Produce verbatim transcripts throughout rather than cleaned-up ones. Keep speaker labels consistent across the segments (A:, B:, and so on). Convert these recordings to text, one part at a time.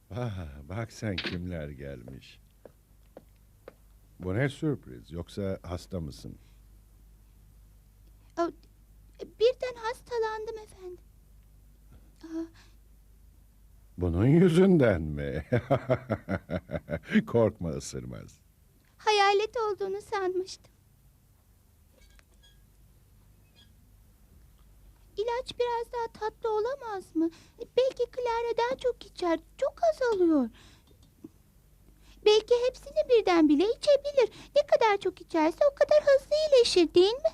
A: Ah, bak sen kimler gelmiş. Bu ne sürpriz, yoksa hasta mısın?
B: Aa, Birden hastalandım efendim. Aa,
A: Bunun yüzünden mi? Korkma, ısırmaz.
B: Hayalet olduğunu sanmıştım. İlaç biraz daha tatlı olamaz mı? Belki Clara daha çok içer. Çok azalıyor. Belki hepsini birden bile içebilir. Ne kadar çok içerse o kadar hızlı iyileşir, değil mi?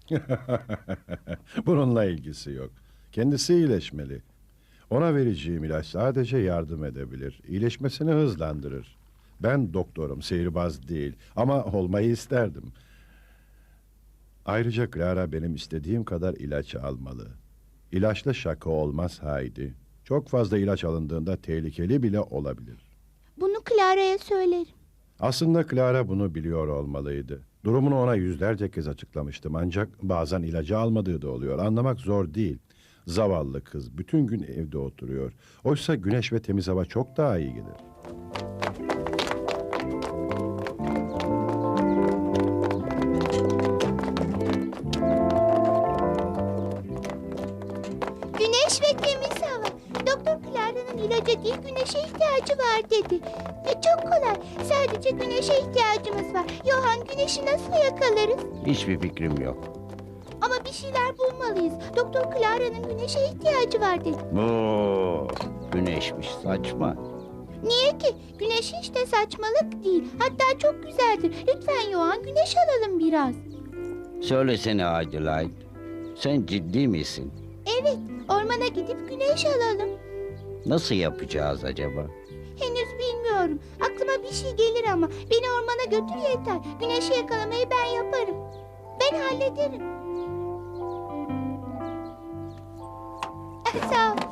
A: Bununla ilgisi yok. Kendisi iyileşmeli. Ona vereceğim ilaç sadece yardım edebilir. İyileşmesini hızlandırır. Ben doktorum, sihirbaz değil. Ama olmayı isterdim. Ayrıca Clara benim istediğim kadar ilaç almalı. İlaçla şaka olmaz Haydi. Çok fazla ilaç alındığında tehlikeli bile olabilir.
B: Bunu Clara'ya söylerim.
A: Aslında Clara bunu biliyor olmalıydı. Durumunu ona yüzlerce kez açıklamıştım, ancak bazen ilacı almadığı da oluyor. Anlamak zor değil. Zavallı kız bütün gün evde oturuyor. Oysa güneş ve temiz hava çok daha iyi gelir.
B: Güneş ve temiz hava. Doktor Clara'nın ilaca değil güneşe ihtiyacı var dedi. E, çok kolay. Sadece güneşe ihtiyacımız var. Johan, güneşi nasıl yakalarız?
C: Hiçbir fikrim yok.
B: Ama bir şeyler bulmalıyız. Doktor Clara'nın güneşe ihtiyacı var dedi.
C: Bu güneşmiş, saçma.
B: Niye ki? Güneş hiç de saçmalık değil. Hatta çok güzeldir. Lütfen Johan, güneş alalım biraz.
C: Söylesene Adelaide. Sen ciddi misin?
B: Evet, ormana gidip güneş alalım.
C: Nasıl yapacağız acaba?
B: Henüz bilmiyorum. Aklıma bir şey gelir ama beni ormana götür yeter. Güneşi yakalamayı ben yaparım. Ben hallederim. Sağ ol.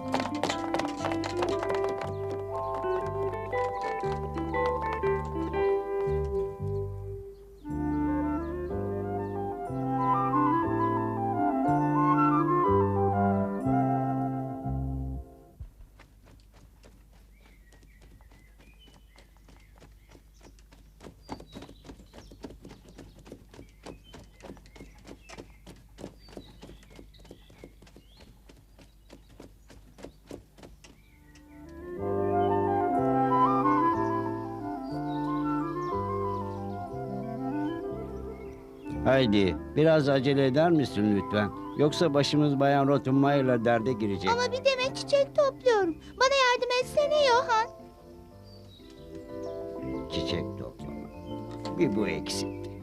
C: Haydi biraz acele eder misin lütfen? Yoksa başımız Bayan Rottenmeier'la derde girecek.
B: Ama bir demet çiçek topluyorum. Bana yardım etsene Johan.
C: Çiçek toplama. Bir bu eksikti.